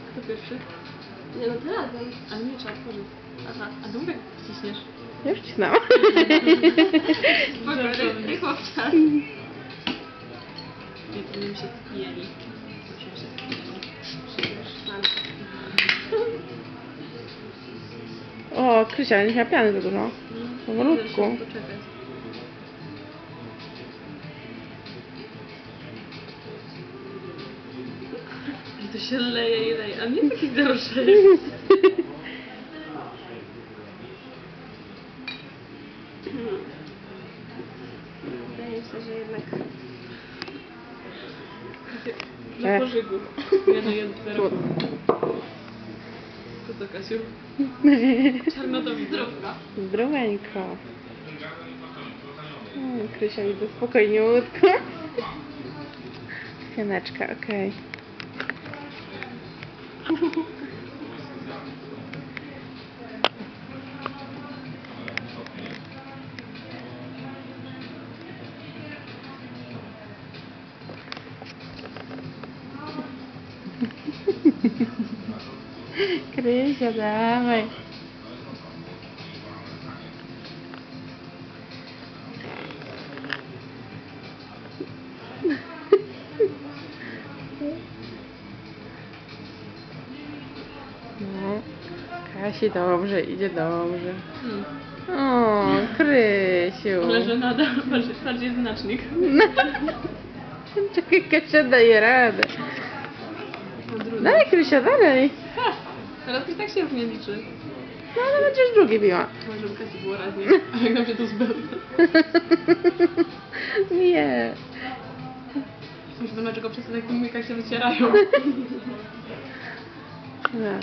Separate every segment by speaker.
Speaker 1: Kto pierwszy?
Speaker 2: Nie no, ty razem.
Speaker 1: Ale nie trzeba otworzyć. Aha, a długo jak wciśniesz?
Speaker 3: Ja już cisnęłam.
Speaker 1: Spokojnie, nie chłopca. Nie powinien się spijali. Muszę się spijali.
Speaker 3: O, Krysia, nie miała piany za dużo. Powolutku.
Speaker 1: Muszę poczekać. I to się leje i leje, a nie taki gorszy.
Speaker 2: Wydaje mi się, że jednak...
Speaker 1: Na pożygu. 1-1-0. Co to, Kasiu? Czarnodowi zdrówka.
Speaker 3: Zdroweńko. Krysia widzę spokojnie łódko. Pianeczka, okej. Krysia, dawaj. No, Kasi dobrze, idzie dobrze. O, Krysiu.
Speaker 1: Ale że nada, bardziej znacznik.
Speaker 3: Czekaj, Kasia daje radę.
Speaker 1: Odwrót.
Speaker 3: Dalej, Krysia, dalej.
Speaker 1: Ha! Teraz i tak się równie liczy.
Speaker 3: No, ale będziesz drugie biła.
Speaker 1: Może żeby Kasi było raźniej. A jak nam się to zbędne.
Speaker 3: Nie.
Speaker 1: Myślę, że dlaczego wszyscy tak umyka się wycierają.
Speaker 3: Tak.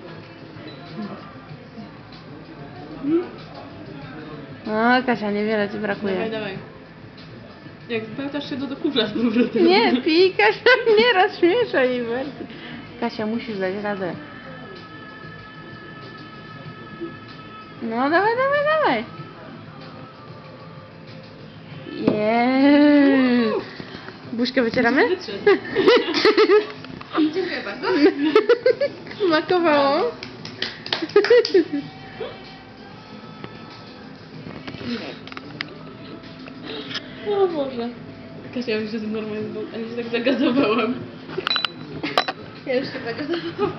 Speaker 3: O, Kasia, niewiele ci
Speaker 1: Dawaj,
Speaker 3: brakuje.
Speaker 1: dawaj. Jak spełtasz się do kufla z powrotem.
Speaker 3: Nie, pij, Kasia, nie rozśmieszaj jej bardziej. Kasia, musisz dać radę. No, dawaj, dawaj, dawaj. Jeee. Buźkę wycieramy?
Speaker 1: Wytrzeć.
Speaker 2: Dziękuję bardzo.
Speaker 3: Smakowało?
Speaker 1: O Boże. Kasia, ja już się normalnie ale się tak zagazowałam.
Speaker 2: Ja już się zagadałam.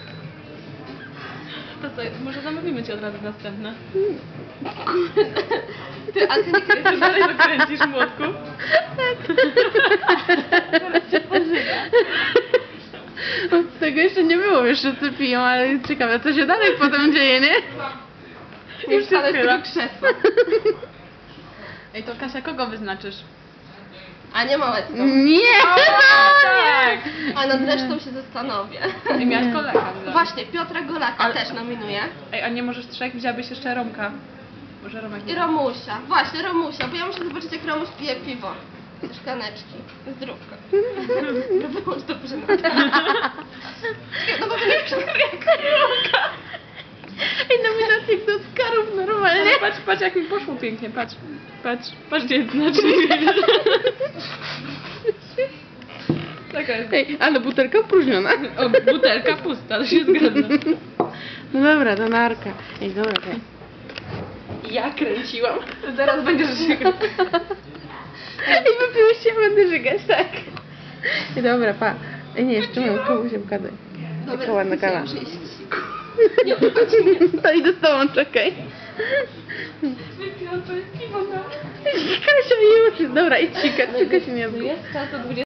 Speaker 1: To co, może zamówimy ci od razu następne.
Speaker 2: Ty, ale ty nie kręcisz.
Speaker 1: Dalej dokręcisz młotku.
Speaker 3: Od tego jeszcze nie było, wiesz, że ty piją, ale ciekawe, co się dalej potem dzieje, nie?
Speaker 2: Już
Speaker 1: się
Speaker 2: ale z
Speaker 1: schyla.
Speaker 2: tego krzesła.
Speaker 1: Ej, to Kasia, kogo wyznaczysz?
Speaker 2: A nie małecką.
Speaker 3: Nie!
Speaker 1: Tak!
Speaker 2: A nad resztą się zastanowię.
Speaker 1: Ej, miałaś Golaka.
Speaker 2: Właśnie, Piotra Golaka
Speaker 1: Ale-
Speaker 2: też nominuję.
Speaker 1: Ej, a nie możesz trzech? Wzięłabyś jeszcze Romka. Może Romek
Speaker 2: I
Speaker 1: nie.
Speaker 2: Romusia. Właśnie, Romusia, bo ja muszę zobaczyć, jak Romuś pije piwo. Ze szklaneczki. Zdrówko. No było już dobrze no bo to nie przykryje karionka.
Speaker 3: Ej, nominacje do Oscarów normalnie.
Speaker 1: Ale patrz, patrz jak mi poszło pięknie, patrz. Patrz, patrz gdzie jest znacznik. Taka jest.
Speaker 3: Ej, ale butelka opróżniona.
Speaker 1: O, butelka pusta, to się zgadza.
Speaker 3: No dobra, to narka. Ej, dobra, okej.
Speaker 1: Ja kręciłam. Zaraz będziesz się
Speaker 3: Ej, wypiłeś się, będę żygać, tak. Ej, dobra, pa. Ej, nie, jeszcze mam komuś gadaj. Taka ładna kawa.
Speaker 2: muszę iść.
Speaker 3: To idę z tobą, czekaj.
Speaker 1: Wypiłam to jest piwo na...
Speaker 3: Kasia, już. Dobra, idź sikać, tylko się nie zgub.
Speaker 1: Jest czas o 20.